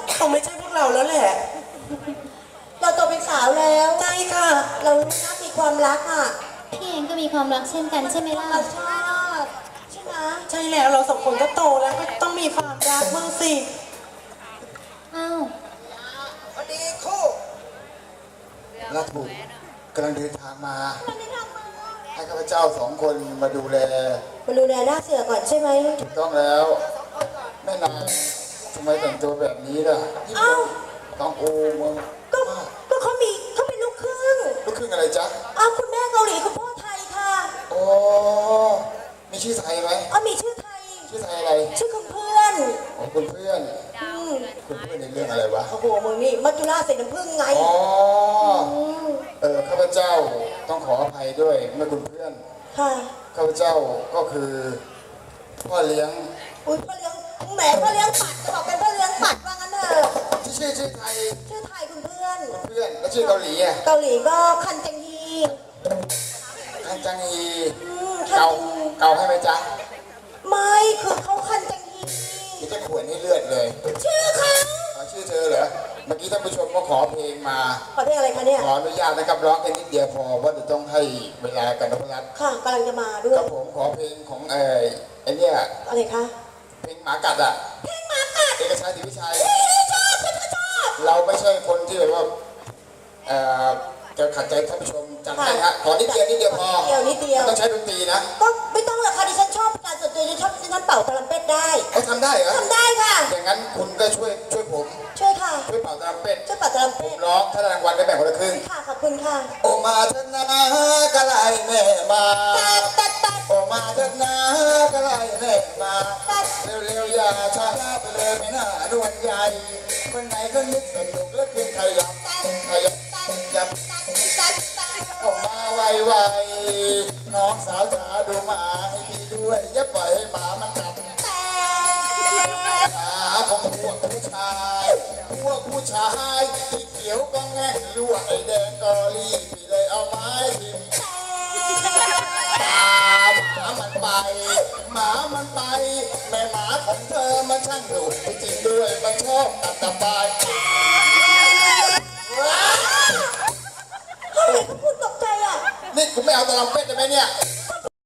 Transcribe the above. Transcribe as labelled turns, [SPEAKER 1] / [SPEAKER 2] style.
[SPEAKER 1] เขาไม่ใช่พวกเราแล้วแหละ
[SPEAKER 2] เราโตเป็นสาวแล้ว
[SPEAKER 1] ใช่ค่ะ
[SPEAKER 2] เราน่ามีความรักอ่ะ
[SPEAKER 3] พี่เองก็มีความรักเช่นกันใช่ไหมล่ะ
[SPEAKER 2] เราชอบใช่ไหม
[SPEAKER 1] ใช่แล้วเราสองคนก็โตแล้วก็ต้องมีความรักบ้างสิ
[SPEAKER 3] อ้าว
[SPEAKER 4] พอดีคู่รัฐบุตรกำลังเดินทางมา ให้ข้าพเจ้าสองคนมาดูแล
[SPEAKER 2] มาดูแลหน้าเสือก่อนใช่ไหม
[SPEAKER 4] ถูกต้องแล้วแม่นางทำไมแต่งตัวแบบนี้ล่ะ
[SPEAKER 2] อ้าว
[SPEAKER 4] ต้องโอ้มึง
[SPEAKER 2] ก็เขาเป็นลูกครึ่ง
[SPEAKER 4] ลูกครึ่งอะไรจ๊ะ
[SPEAKER 2] อ้าวคุณแม่เกาหลีคุณพ่อไทยค่ะ
[SPEAKER 4] โอ้มีชื่อไทยไหม
[SPEAKER 2] อ้าวมีชื่อไทย
[SPEAKER 4] ชื่อไทยอะไร
[SPEAKER 2] ชื่อคุณเพื่อน
[SPEAKER 4] อ๋อคุณเพื่อน
[SPEAKER 2] อืม
[SPEAKER 4] คุณเพื่อนในเรื่องอะไรวะ
[SPEAKER 2] โอ้โหมึงนี่มัจจุราชใส่น้ำผึ้งไง
[SPEAKER 4] อ๋อ
[SPEAKER 2] ม
[SPEAKER 4] ข้าพเจ้าต้องขออภัยด้วยเมื่อคุณเพื่อน
[SPEAKER 2] ค่ะ
[SPEAKER 4] ข้าพเจ้าก็คือพ่อเลี้ยง
[SPEAKER 2] อุ้ยพ่อเลี้ยงแหมพ่อเลี้ยงปัดจะบอกเป็นพ่อเลี้ยงปัดว่างั้นเถอะ
[SPEAKER 4] ที่ชื่อไทย
[SPEAKER 2] ชื่อไทยคุณเพื่อน
[SPEAKER 4] คุณเพื่อนแล้วชื่อเกาหลีอ่ะ
[SPEAKER 2] เกาหลีก็คันจังฮี
[SPEAKER 4] คันจังฮี
[SPEAKER 2] คัน
[SPEAKER 4] เกา
[SPEAKER 2] จังฮี
[SPEAKER 4] เกาให้ไหมจ๊ะ
[SPEAKER 2] ไม่คือเขาคันจังฮี
[SPEAKER 4] ที่จะขวนให้เลือดเลย
[SPEAKER 2] ชื่อเขา
[SPEAKER 4] ขอชื่อเธอเหรอเมื่อกี้ท่านผู้ชมก็ขอเพลงมา
[SPEAKER 2] ขอเพลงอะไรคะเนี่ย
[SPEAKER 4] ขออนุญาตนะครับร้องแค่นิดเดียวพอเพราะเดี๋ยวต้องให้เวลากันนพรัตน์
[SPEAKER 2] ค่ะกำลังจะมาด้ว
[SPEAKER 4] ค
[SPEAKER 2] ย
[SPEAKER 4] รับผมขอเพลงของไอ้เนี่ย
[SPEAKER 2] อะไรคะ
[SPEAKER 4] เพลงหมากัดอ่ะ
[SPEAKER 2] เพลงหมากัด
[SPEAKER 4] เอกชัยศรีวิชัย
[SPEAKER 2] ชอบชอบ
[SPEAKER 4] เราไม่ใช่คนที่แบบว่าเอ่อจะขัดใจท่านผู้ชมจัดให้ฮะขอนิดเดียวพอ
[SPEAKER 2] นิดเดียว
[SPEAKER 4] ต้องใช้ดนตรีนะ
[SPEAKER 2] ก็ไม่ต้องหรอกค่ะดิฉันชอบการส่วนตัวดิฉันชอบดิฉันเป่าตะลัมเป็ดได้
[SPEAKER 4] เขาทำได้เหรอ
[SPEAKER 2] ทำได้ค่ะ
[SPEAKER 4] อย่างนั้นคุณก็ช่วยผม
[SPEAKER 2] ช่วยค่ะ
[SPEAKER 4] ช่วยเป่าตรัมเป็ด
[SPEAKER 2] ช่วยเป่าตะลัม
[SPEAKER 4] ผ
[SPEAKER 2] เป็
[SPEAKER 4] ม
[SPEAKER 2] ด
[SPEAKER 4] ร้องถ้าได้รางวัลได้แบ่งคนละครึ่ง
[SPEAKER 2] ค่ะขอบคุณค่ะ
[SPEAKER 4] โอมาเถอะนะกะไลแม่มา
[SPEAKER 2] ตัด
[SPEAKER 4] โอมาเถอะนะกะไลแม่มาเร็วๆอย่าช้าไปเลยไม่น่าด่วนใหญ่คนไหนก็นึกสนุกแล้วเพียงขยับยับออกมาไวๆน้องสาวจ๋าดูหมาให้พี่ด้วยอย่าปล่อยให้หมามันกัดหมาของพวกผู้ชายที่เขียวก็แง่ลวกไอ้แดงก็รีบพี่เลยเอาไม้ทิ่มตามหมามันไปแม่หมาของเธอมันช่างดุจริงด้วยมันชอบตัดตะปาย
[SPEAKER 2] เขาเห็นเขาพูดตกใจอ่ะ
[SPEAKER 4] นี่คุณไม่เอาตะลัมเป็ดได้ไหมเนี่ย